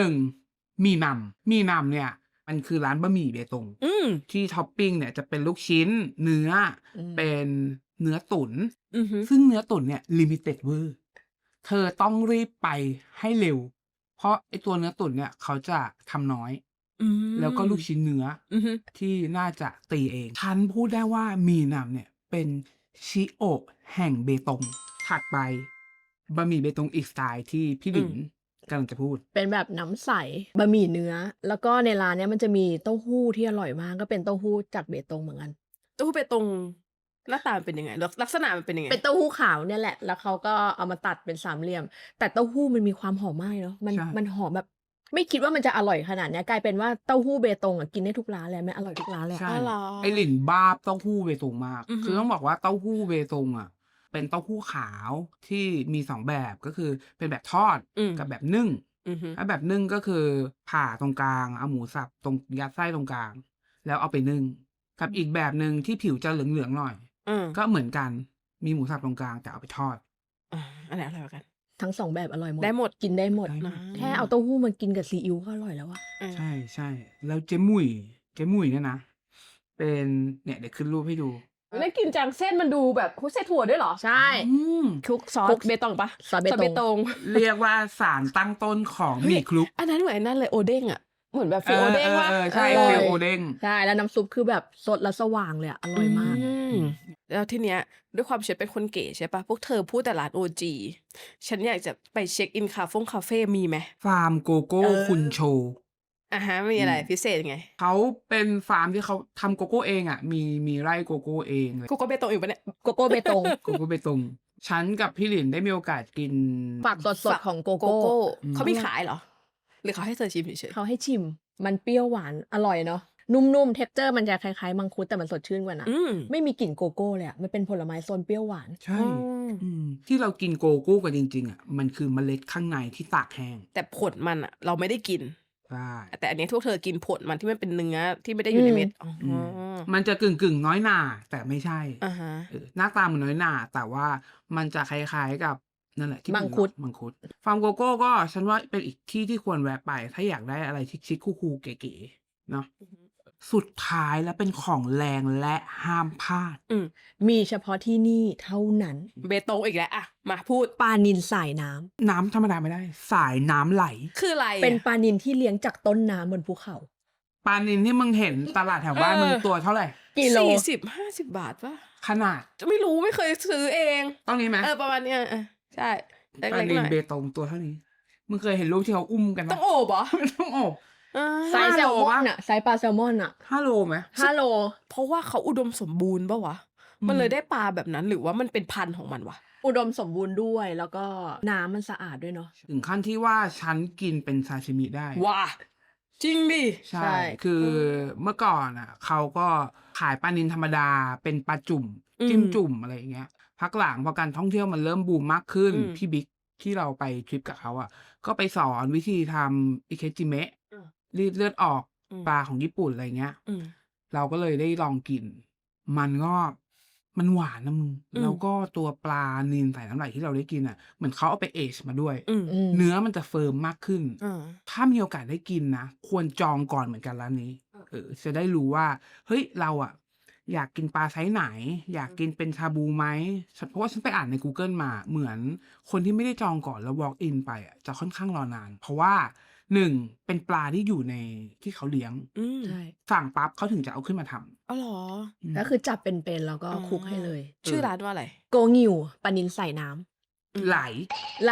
[SPEAKER 2] 1มีนำเนี่ย มันคือร้านบะหมี่เบตง ที่ท็อปปิ้งเนี่ยจะเป็นลูกชิ้น เนื้ออ
[SPEAKER 1] ม
[SPEAKER 2] เป็นเนื้อตุ๋น
[SPEAKER 3] อือฮึ
[SPEAKER 2] ซึ่งเนื้อตุ๋นเนี่ยลิมิเต็ดเวอร์เธอต้องรีบไปให้เร็ว เพราะไอตัวเนื้อตุ๋นเนี่ยเขาจะทำน้อย แล้วก็ลูกชิ้นเนื้ออ
[SPEAKER 3] อือฮึ
[SPEAKER 2] ที่น่าจะตีเอง ฉันพูดได้ว่ามีนำเนี่ยเป็นชิโอะแห่งเบตง ถัดไปบะหมี่เบตงอีกสไตล์ที่พี่หลินกำลังจะพูด
[SPEAKER 1] เป็นแบบน้ำใสบะหมี่เนื้อ แล้วก็ในร้านเนี้ยมันจะมีเต้าหู้ที่อร่อยมากก็เป็นเต้าหู้จากเบตงเหมือนกัน
[SPEAKER 3] เต้าหู้เบตงหน้าตามันเป็นยังไงลักษณะมันเป็นยังไง
[SPEAKER 1] เป็นเต้าหู้ขาวเนี่ยแหละ แล้วเขาก็เอามาตัดเป็นสามเหลี่ยม แต่เต้าหู้มันมีความหอมมากเนาะ
[SPEAKER 2] ใช่
[SPEAKER 1] มันหอมแบบ ไม่คิดว่ามันจะอร่อยขนาดเนี้ยกลายเป็นว่าเต้าหู้เบตงอ่ะกินได้ทุกร้านเลยมันอร่อยทุกร้านเลยอะ
[SPEAKER 2] ใช่
[SPEAKER 3] อ๋อเหรอ
[SPEAKER 2] ไอหลินบ้าเต้าหู้เบตงมาก
[SPEAKER 3] อือหือ
[SPEAKER 2] คือต้องบอกว่าเต้าหู้เบตงอ่ะ เป็นเต้าหู้ขาวที่มีสองแบบก็คือเป็นแบบทอดกับแบบนึ่ง
[SPEAKER 3] อือฮึ
[SPEAKER 2] ถ้าแบบนึ่งก็คือผ่าตรงกลางเอาหมูสับตรงยัดไส้ตรงกลาง แล้วเอาไปนึ่งกับอีกแบบหนึ่งที่ผิวจะเหลืองๆหน่อย ก็เหมือนกันมีหมูสับตรงกลางแต่เอาไปทอด
[SPEAKER 3] อันไหนอร่อยกว่ากัน
[SPEAKER 1] ทั้งสองแบบอร่อยหมด
[SPEAKER 3] ได้หมด
[SPEAKER 1] กินได้หมด
[SPEAKER 2] ได้หมด
[SPEAKER 1] แค่เอาเต้าหู้มากินกับซีอิ๊วก็อร่อยแล้วอะ
[SPEAKER 2] ใช่ใช่แล้วเจมุยเนี่ยนะ เป็นเนี่ยเดี๋ยวขึ้นรูปให้ดู
[SPEAKER 3] น่ากินจังเส้นมันดูแบบคุกใส่ถั่วด้วยเหรอ
[SPEAKER 1] ใช่
[SPEAKER 2] อืม
[SPEAKER 3] คลุกซอ
[SPEAKER 1] คลุ
[SPEAKER 3] ส
[SPEAKER 1] ก
[SPEAKER 3] เบตงปะ
[SPEAKER 1] ซอสเบตง
[SPEAKER 2] เรียกว่าสารตั้งต้นของหมี่คลุก
[SPEAKER 3] อันนั้นเหมือนนั่นเลยโอเด้งอ่ะเหมือนแบบฟิลโอเด้งว่า
[SPEAKER 2] ใช่
[SPEAKER 1] เออ
[SPEAKER 2] ฟิลโอเด้ง
[SPEAKER 1] ใช่ แล้วน้ำซุปคือแบบสดและสว่างเลยอะอร่อยมาก
[SPEAKER 3] แล้วทีเนี้ยด้วยความฉันเป็นคนเก๋ใช่ปะพวกเธอพูดแต่ร้านโอจีฉันอยากจะไปเช็คอินคาเฟ่มีไหม
[SPEAKER 2] ฟาร์มโกโก้
[SPEAKER 3] เออ
[SPEAKER 2] คุณโช
[SPEAKER 3] มีอะไร
[SPEAKER 2] อืม
[SPEAKER 3] พิเศษไง
[SPEAKER 2] เขาเป็นฟาร์มที่เขาทำโกโก้เองอ่ะ มีไร่โกโก้เองเลย
[SPEAKER 3] กูก็เบตงอยู่ปะเนี่ย
[SPEAKER 1] โกโก้เบตง
[SPEAKER 2] โกโก้เบตงฉันกับพี่หลินได้มีโอกาสกิน
[SPEAKER 1] ฝักสดๆของโกโก้
[SPEAKER 2] อืม
[SPEAKER 3] เขามีขายเหรอ หรือเขาให้เธอชิมเฉย
[SPEAKER 1] เขาให้ชิม มันเปรี้ยวหวานอร่อยเนาะ นุ่มๆ เท็กเจอร์มันจะคล้ายๆมังคุดแต่มันสดชื่นกว่านะ
[SPEAKER 3] ๆ
[SPEAKER 1] ไม่มีกลิ่นโกโก้เลยอะมันเป็นผลไม้โซนเปรี้ยวหวาน
[SPEAKER 2] ใช่
[SPEAKER 3] อืม
[SPEAKER 2] ที่เรากินโกโก้กันจริงๆอ่ะมันคือเมล็ดข้างในที่ตากแห้ง
[SPEAKER 3] แต่ผลมันอ่ะ เราไม่ได้กิน
[SPEAKER 2] ใช่
[SPEAKER 3] แต่อันนี้ทุกเธอกินผลมันที่มันเป็นเนื้อที่ไม่ได้อยู่ในเม็ดอ๋ออ
[SPEAKER 2] มันจะกึ่งน้อยหน่าแต่ไม่ใช่
[SPEAKER 3] อ่าฮะ
[SPEAKER 2] หน้าตามันน้อยหน่าแต่ว่ามันจะคล้ายๆกับนั่นแหละที่
[SPEAKER 1] มังคุด
[SPEAKER 2] มังคุดฟาร์มโกโก้ก็ฉันว่าเป็นอีกที่ที่ควรแวะไป ถ้าอยากได้อะไรชิคๆคูลๆเก๋ๆเนาะสุดท้ายแล้วเป็นของแรงและห้ามพลาด
[SPEAKER 1] มีเฉพาะที่นี่เท่านั้น
[SPEAKER 3] เบตงอีกแล้วอ่ะมาพูด
[SPEAKER 1] ปลานิลสายน้ำ
[SPEAKER 2] น้ำธรรมดาไม่ได้ สายน้ำไหล
[SPEAKER 3] คืออะไรอะ
[SPEAKER 1] เป็นปลานิลที่ลี้ยงจากต้นน้ำบนภูเขา
[SPEAKER 2] ปลานินที่มึงเห็นตลาดแถวบ้านมึงตัวเท่าไหร่
[SPEAKER 1] กิโล
[SPEAKER 3] 40-50 บาทปะ
[SPEAKER 2] ขนาด
[SPEAKER 3] จะไม่รู้ไม่เคยซื้อเอง
[SPEAKER 2] ต้องนี้ไหม
[SPEAKER 3] ประมาณเนี้ยใช่เ
[SPEAKER 2] ปลา
[SPEAKER 3] ล็กๆ
[SPEAKER 2] นิ
[SPEAKER 3] ห
[SPEAKER 2] น
[SPEAKER 3] น่อย
[SPEAKER 2] เบตงตัวเท่านี้ มึงเคยเห็นรูปที่เขาอุ้มกันไหม
[SPEAKER 3] ต้องโอบเหรอ
[SPEAKER 2] ต้องอบ
[SPEAKER 1] ไซส์แซลมอน
[SPEAKER 2] 5 โล
[SPEAKER 1] อะไซส์ปลาแซลมอนอะ
[SPEAKER 2] 5 โลไหม
[SPEAKER 1] 5 โล
[SPEAKER 3] เพราะว่าเขาอุดมสมบูรณ์ปะวะ
[SPEAKER 2] อืม
[SPEAKER 3] มันเลยได้ปลาแบบนั้นหรือว่ามันเป็นพันธุ์ของมันวะ
[SPEAKER 1] อุดมสมบูรณ์ด้วย แล้วก็น้ำมันสะอาดด้วยเนาะ
[SPEAKER 2] ถึงขั้นที่ว่าฉันกินเป็นซาชิมิได้
[SPEAKER 3] ว้าจริงดิ
[SPEAKER 2] ใช่ คือเมื่อก่อนอ่ะเขาก็ขายปลานิลธรรมดาเป็นปลาจุ่ม จิ้มจุ่มอะไรอย่างเงี้ย พักหลังพอการท่องเที่ยวมันเริ่มบูมมากขึ้น พี่บิ๊กที่เราไปทริปกับเขาอ่ะ ก็ไปสอนวิธีทำอิเคจิเมะรีดเลือดออกปลาของญี่ปุ่นอะไรเงี้ย เราก็เลยได้ลองกิน มันหวานนะมึง แล้วก็ตัวปลานิลใส่น้ำไหลที่เราได้กินอ่ะ เหมือนเขาเอาไปเอชมาด้วย เนื้อมันจะเฟิร์มมากขึ้น ถ้ามีโอกาสได้กินนะ ควรจองก่อนเหมือนกันร้านนี้ จะได้รู้ว่า เฮ้ย เราอ่ะ อยากกินปลาไซส์ไหน อยากกินเป็นชาบูไหม เพราะว่าฉันไปอ่านใน Google มา เหมือนคนที่ไม่ได้จองก่อนแล้ว walk in ไปอ่ะ จะค่อนข้างรอนาน เพราะว่า 1. เป็นปลาที่อยู่ในที่เขาเลี้ยง
[SPEAKER 1] ใช่
[SPEAKER 2] สั่งปั๊บเขาถึงจะเอาขึ้นมาทำ
[SPEAKER 3] อ๋อเหรอ
[SPEAKER 1] ก็คือจับเป็นๆแล้วก็คลุกให้เลย
[SPEAKER 3] ชื่อร้านว่าอะไร
[SPEAKER 1] โกงิวปลานิลใส่น้ำ
[SPEAKER 2] ไหล
[SPEAKER 1] ไหล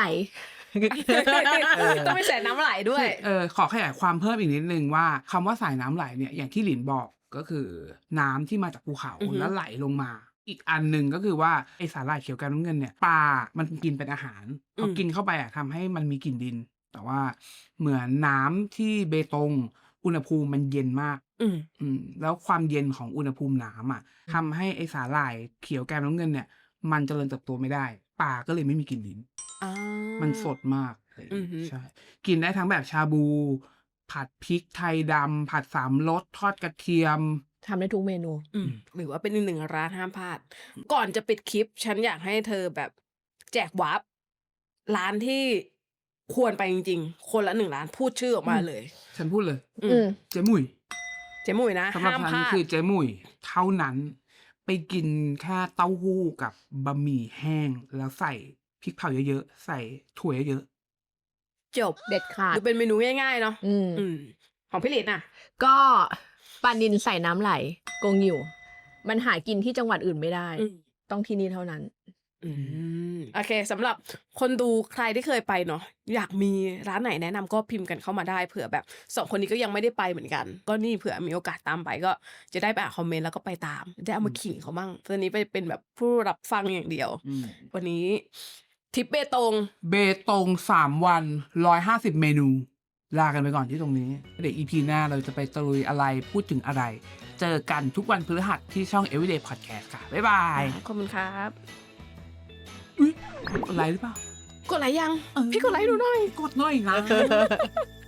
[SPEAKER 3] ต้องไม่ใส่น้ำไหลด้วย
[SPEAKER 2] ขอขยายความเพิ่มอีกนิดนึงว่าคำว่าสายน้ำไหลเนี่ยอย่างที่หลินบอกก็คือน้ำที่มาจากภูเขา
[SPEAKER 3] อือฮึ
[SPEAKER 2] แล้วไหลลงมา อีกอันหนึ่งก็คือว่าไอสาหร่ายเขียวกันน้ำเงินเนี่ยปลามันกินเป็นอาหารพอกินเข้าไปอ่ะทำให้มันมีกลิ่นดิน แต่ว่าเหมือนน้ำที่เบตงอุณหภูมิมันเย็นมาก แล้วความเย็นของอุณหภูมิน้ำอ่ะทำให้ไอสาหร่ายเขียวแกมน้ำเงินเนี่ย มันเจริญเติบโตไม่ได้ปลาก็เลยไม่มีกลิ่นดิน มันสดมากเลย
[SPEAKER 3] อือฮึ
[SPEAKER 2] ใช่ กินได้ทั้งแบบชาบู ผัดพริกไทยดำผัดสามรสทอดกระเทียม
[SPEAKER 1] ทำได้ทุกเมนู
[SPEAKER 3] หรือว่าเป็นอีกหนึ่งร้านห้ามพลาด ก่อนจะปิดคลิป ฉันอยากให้เธอแบบแจกวาร์ปร้านที่ควรไปจริงๆ คนละ1 ร้านพูดชื่อออกมาเลย
[SPEAKER 2] ฉันพูดเลย
[SPEAKER 1] อืม
[SPEAKER 2] เจ๊มุย
[SPEAKER 3] เจมุยนะ
[SPEAKER 2] สำหรับ
[SPEAKER 3] ห้าม
[SPEAKER 2] ฉัน
[SPEAKER 3] พลาด
[SPEAKER 2] คือเจ๊มุยเท่านั้น ไปกินแค่เต้าหู้กับบะหมี่แห้ง แล้วใส่พริกเผาเยอะๆ ใส่ถั่วเยอะ
[SPEAKER 3] จบ
[SPEAKER 1] เด็ดขาด
[SPEAKER 3] ดูเป็นเมนูง่ายๆเนาะ
[SPEAKER 1] อืม
[SPEAKER 3] ของพี่ลินน่ะ
[SPEAKER 1] ก็ปลานิลใส่น้ำไหล โกงิว มันหากินที่จังหวัดอื่นไม่ได้ ต้องที่นี่เท่านั้น
[SPEAKER 3] โอเคสำหรับคนดูใครที่เคยไปเนาะอยากมีร้านไหนแนะนำก็พิมพ์กันเข้ามาได้เผื่อแบบ2คนนี้ก็ยังไม่ได้ไปเหมือนกัน ก็นี่เผื่อมีโอกาสตามไปก็จะได้ไปอ่านคอมเมนต์แล้วก็ไปตามได้เอามาขิงเขาบ้างตอนนี้ไปเป็นแบบผู้รับฟังอย่างเดียววันนี้ทริปเบตง
[SPEAKER 2] 3 วัน 150 เมนู ลากันไปก่อนที่ตรงนี้เดี๋ยว EP หน้าเราจะไปตะลุยอะไรพูดถึงอะไร เจอกันทุกวันพฤหัสที่ช่อง Everyday Podcast ค่ะ บ๊ายบาย
[SPEAKER 3] ขอบคุณครับ
[SPEAKER 2] อุ๊ยกดไลค์หรือเปล่า
[SPEAKER 3] กดไลค์ยังพี่กดไลค์ดูหน่อย
[SPEAKER 2] กดหน่อยนะ